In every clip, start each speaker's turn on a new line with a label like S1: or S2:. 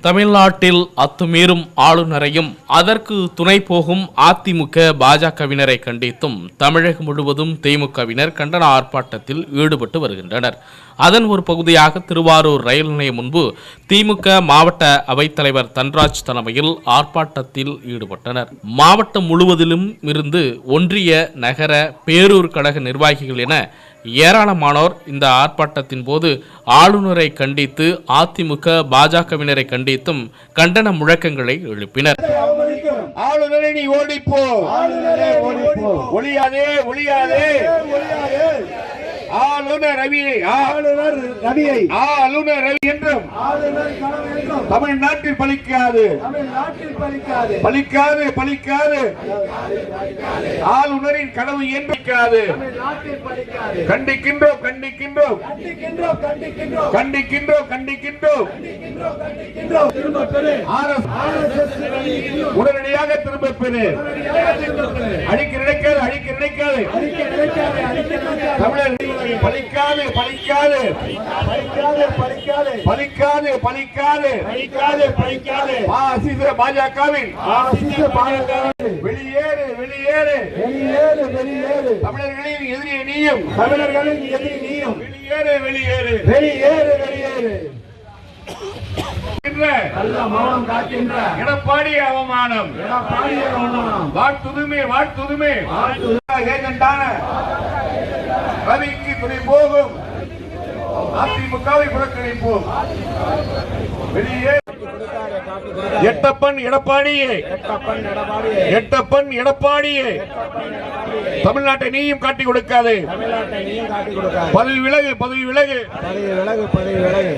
S1: தமிழ்நாட்டில் அத்துமீறும் ஆளுநரையும் அதற்கு துணை போகும் அதிமுக பாஜகவினரை கண்டித்தும் தமிழகம் முழுவதும் திமுகவினர் கண்டன ஆர்ப்பாட்டத்தில் ஈடுபட்டு வருகின்றனர். அதன் ஒரு பகுதியாக திருவாரூர் ரயில் நிலையம் முன்பு திமுக மாவட்ட அவைத்தலைவர் தன்ராஜ் தலைமையில் ஆர்ப்பாட்டத்தில் ஈடுபட்டனர். மாவட்டம் முழுவதிலும் இருந்து ஒன்றிய, நகர, பேரூர் கழக நிர்வாகிகள் என ஏராளமானோர் இந்த ஆர்ப்பாட்டத்தின் போது ஆளுநரை கண்டித்து அதிமுக பாஜகவினரை கண்டித்தும் கண்டன முழக்கங்களை எழுப்பினர்.
S2: ஆளுநரை நீ ஓடிப்போ, ஒளியாதே ஒளியாதே, ஆளுநர் ரவியை ஆளுநர் ரவி என்றும் தமிழ்நாட்டில் பலிக்காது பலிக்காது பலிக்காது, ஆளுநரின் கனவு என்று கண்டிக்கின்றோம் கண்டிக்கின்றோம் கண்டிக்கின்றோம் கண்டிக்கின்றோம், உடனடியாக திரும்ப பெறு, அழிக்க நினைக்காது அழிக்க நினைக்காது, தமிழர் பலிக்காது பலிக்காது பலிக்காது பலிக்காது பலிக்காது பலிக்காது, பாஜகவின் வெளியேறு வெளியேறு வெளியேறு வெளியேறு, தமிழர்களின் எதிரி நீயும் தமிழர்களின் எதிரி நீயும், வெளியேறு வெளியேறு வெளியேறு வெளியேறு, எடப்பாடி அவமானம் வாழ்த்துதுமே வாழ்த்துதுமே, ஏஜென்டான ரவிக்கு துணை போகும் அதிமுகவை புறக்கணிப்போம், வெளியே எட்டப்பன் எடப்பாடியே எட்டப்பன் எடப்பாடியே, தமிழ்நாட்டை நீயும் காட்டி கொடுக்காது, பதவி விலகு பதவி விலகு பதவி விலகு,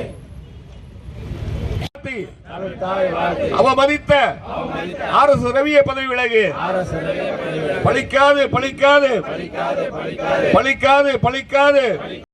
S2: அவமதித்த RS ரவியை பதவி விலகு, பலிக்காது பலிக்காது பலிக்காது பலிக்காது.